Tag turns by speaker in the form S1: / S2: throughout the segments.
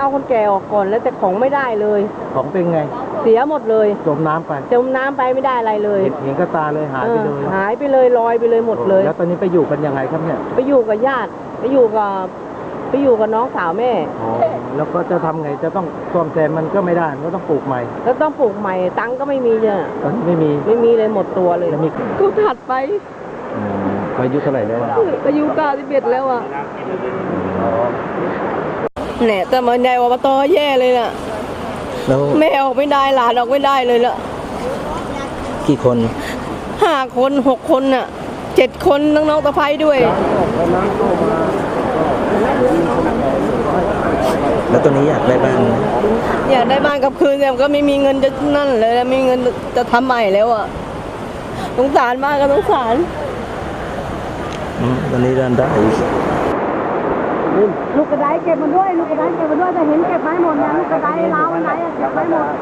S1: เอาคนแก่ออกก่อนแล้วแต่ของไม่ได้เลย
S2: ของเป็นไง
S1: เสียหมดเลย
S2: จมน้ำไป
S1: ไม่ได้อะไรเลย
S2: เห็นกระตาเลยหายไปเลย
S1: หายไปเลยลอยไปเลยหมดเลย
S2: แล้วตอนนี้ไปอยู่กันยังไงครับเนี่ย
S1: ไปอยู่กับญาติไปอยู่กับน้องสาวแม่
S2: แล้วก็จะทำไงจะต้องซ่อมแซมมันก็ไม่ได้ก็ต้องปลูกใหม่
S1: แล้วต้องปลูกใหม่ตังก็ไม่มีเนี่ย
S2: ตอนนี้ไม่มี
S1: เลยหมดตัวเลยกูถัดไป
S2: อายุเท่าไหร่แล้ว
S1: อายุ91แล้วอ่ะเนี่ยแต่มันใหญ่อบตแย่เลยน่ะแม่ออกไม่ได้หลานออกไม่ได้เลยละ
S2: กี่คน
S1: 5 คน6 คนน่ะ7 คนน้องๆตะไคร้ด้วย
S2: แล้วตอนนี้อยากได้บ้าน
S1: กับคืนแต่ก็ไม่มีเงินจะนั่นเลยไม่มีเงินจะทำใหม่แล้วอ่ะสงสารมากก็สงสาร
S2: ตอนนี้ได้
S1: ลูกกระไดเก็บมาด้วยแต่เห็นเก็บไม้หมดเนี่ยลูกกระไดล้าวไหนเก็บไม้หมด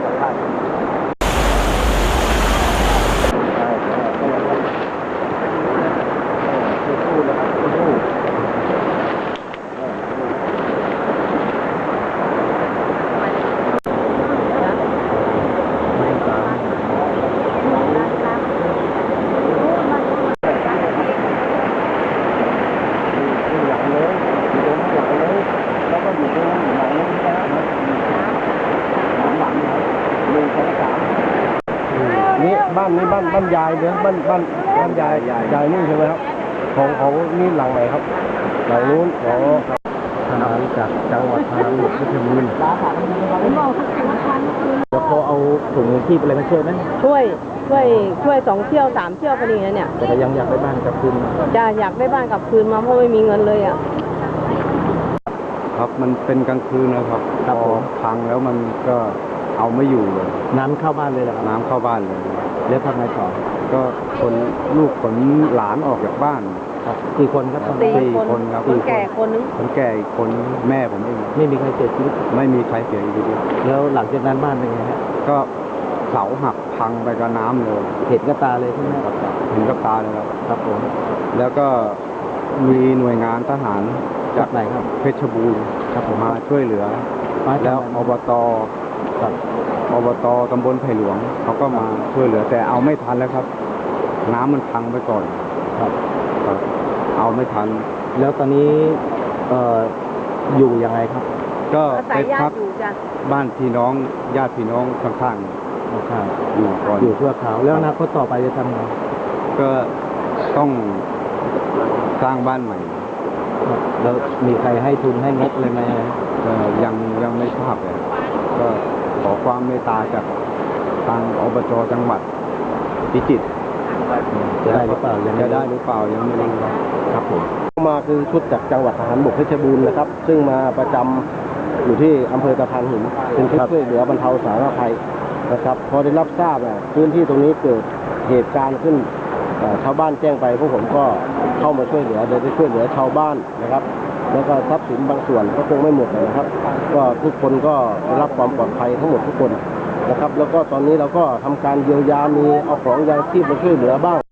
S3: นี่บ้านยายเนี่ยบ้านยายนี่ใช่ไหมครับของนี่หลังไหนครับหลังนู้นทหารจากจังหวัดพะบุรีเพชรบูรณ์
S2: แล้วเขาเอาถุงที่อะไรมาช่วยไหม
S1: ช่วย2 เที่ยว 3 เที่ยวพอดีนะเนี่ย
S2: แต่ยังอยากได้บ้านกลับคืน
S1: อยากได้บ้านกลับคืนมาเพราะไม่มีเงินเลยอ่ะ
S3: ครับมันเป็นกลางคืนนะครับพอพังแล้วมันก็เอาไม่อยู่เลย
S2: น้ำเข้าบ้านเลยเหรอ
S3: น้ำเข้าบ้านเลย
S2: แล้วทำไงต่อ
S3: ก็ลูกขนหลานออกจากบ้าน
S2: ครับกี่คนครับ
S1: 4 คนครับคนแก่คนนึง
S3: คนแก่อีกคนแม่ผมเอง
S2: ไม่มีใครเสียชีวิต
S3: ไม่มีใครเสียชีวิต
S2: แล้วหลังจากนั้นบ้านเป็นไงฮะ
S3: ก็เสาหักพังไปกับน้ำเลย
S2: เห็นกับตาเลยใช่ไหม
S3: เห็นกับตาเลย
S2: ครับผม
S3: แล้วก็มีหน่วยงานทหาร
S2: จากไหนครับ
S3: เพชรบูรณ์
S2: ครับผม
S3: มาช่วยเหลือแล้วอบตตำบลไผ่หลวงเขาก็มาช่วยเหลือแต่เอาไม่ทันแล้วครับน้ำมันพังไปก่อน
S2: ครับ
S3: เอาไม่ทัน
S2: แล้วตอนนี้อยู่ยังไงครับ
S3: ก็ไปพักบ้านพี่น้องญาติพี่น้องข้างๆอยู่ก่อน
S2: อยู่เพื่อเขาแล้วอนาคตต่อไปจะทำไง
S3: ก็ต้องสร้างบ้านใหม่
S2: แล้วมีใครให้ทุนให้งบเลยไหม
S3: ยังไม่ทราบเลยก็ขอความเมตตาจากทางอบจ.จังหวัดพิจิตร
S2: จะได้หรือเปล่ายังไม่
S3: รู้ครับผม
S2: มาคือชุดจากจังหวัดทหารบกเพชรบูรณ์นะครับซึ่งมาประจำอยู่ที่อำเภอตะพานหินเป็นชุดช่วยเหลือบรรเทาสาธารณภัยนะครับพอได้รับทราบพื้นที่ตรงนี้เกิดเหตุการณ์ขึ้นชาวบ้านแจ้งไปพวกผมก็เข้ามาช่วยเหลือโดยได้ช่วยเหลือชาวบ้านนะครับแล้วก็ทรัพย์สินบางส่วนก็คงไม่หมดนะครับก็ทุกคนก็ได้รับความปลอดภัยทั้งหมดทุกคนนะครับแล้วก็ตอนนี้เราก็ทำการเยียวยามีเอาของยางชีพมาช่วยเหลือบ้าง